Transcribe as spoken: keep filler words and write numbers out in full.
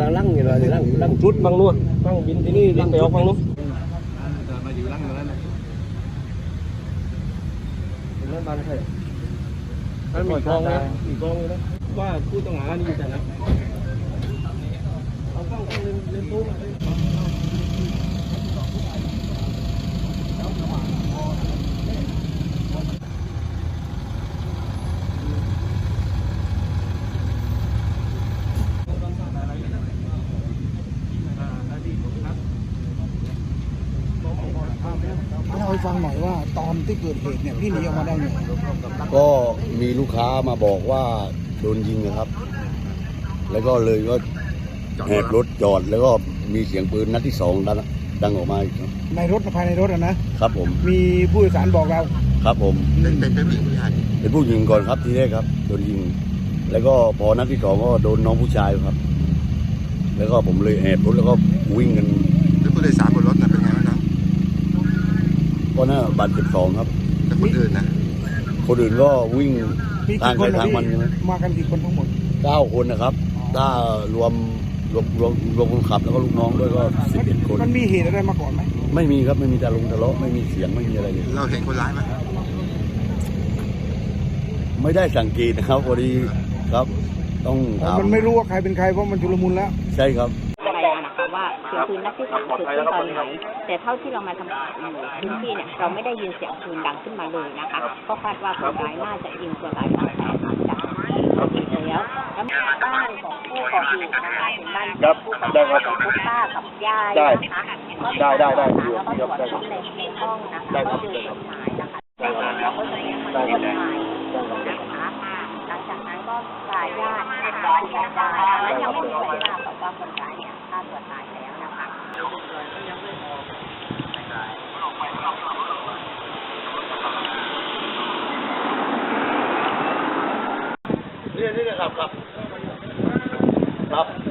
ก็ลั่งอยู่เลยลั่งลั่งชุดบางนู่นบางบินที่นี่ลั่งไปออกบางนู่นมาอยู่ลั่งอยู่แล้วนะนั่นบ้านใครนั่นมีกองนะมีกองอยู่นะว่าผู้ต้องหานี่แต่นะเอาเข้าเล่นเล่นตู้มาเล่าให้ฟังหน่อยว่าตอนที่เกิดเหตุเนี่ยพี่หนีออกมาได้ไงก็มีลูกค้ามาบอกว่าโดนยิงนะครับแล้วก็เลยก็แหกรถจอดแล้วก็มีเสียงปืนนัดที่สองดังดังออกมาอีกในรถภายในรถอะนะครับผมมีผู้โดยสารบอกเราครับผมเป็นเป็นเป็นผู้หญิงผู้ชายเป็นผู้หญิงก่อนครับทีแรกครับโดนยิงแล้วก็พอนัดที่สองก็โดนน้องผู้ชายครับแล้วก็ผมเลยแอบรถแล้วก็วิ่งกันแล้วผู้โดยสารบนรถน่ะเป็นไงบ้างครับก็น่าบาดเจ็บสองครับแต่คนอื่นนะคนอื่นก็วิ่งทางใครทางมันมากันกี่คนทั้งหมดเก้าคนนะครับถ้ารวมรวมรวมรวมคนขับแล้วก็ลูกน้องด้วยก็สิบเอ็ดคนมันมีเหตุอะไรมาก่อนไหมไม่มีครับไม่มีตาลุงทะเลาะไม่มีเสียงไม่มีอะไรเลยเราเห็นคนร้ายไหมไม่ได้สังเกตนะครับพอดีครับต้องถามมันไม่รู้ว่าใครเป็นใครเพราะมันชุลมุนแล้วใช่ครับอะไรนะคะว่าเสียงปืนนัดที่สามเกิดขึ้นตอนไหนแต่เท่าที่เรามาทำพื้นที่เนี่ยเราไม่ได้ยินเสียงปืนดังขึ้นมาเลยนะคะก็คาดว่าคนร้ายน่าจะยิงคนร้ายตั้งแต่หลังจากที่เกิดแล้วแล้วบ้านของผู้ก่อเหตุนะคะเป็นบ้านของผู้ก่อเหตุของผู้ป้ากับยายนะคะได้ได้ได้แล้วก็ตรวจค้นในห้องนะคะก็เจอจดหมายนะคะเราก็จะยังไม่ได้จดหมายนะคะหลังจากนั้นก็สายญาตินะคะคุณยายนั้นยังไม่มีใครทราบแต่ว่าคนร้ายเนี่ยฆ่าตัวตายแล้วนะคะนี่นี่ครับครับครับ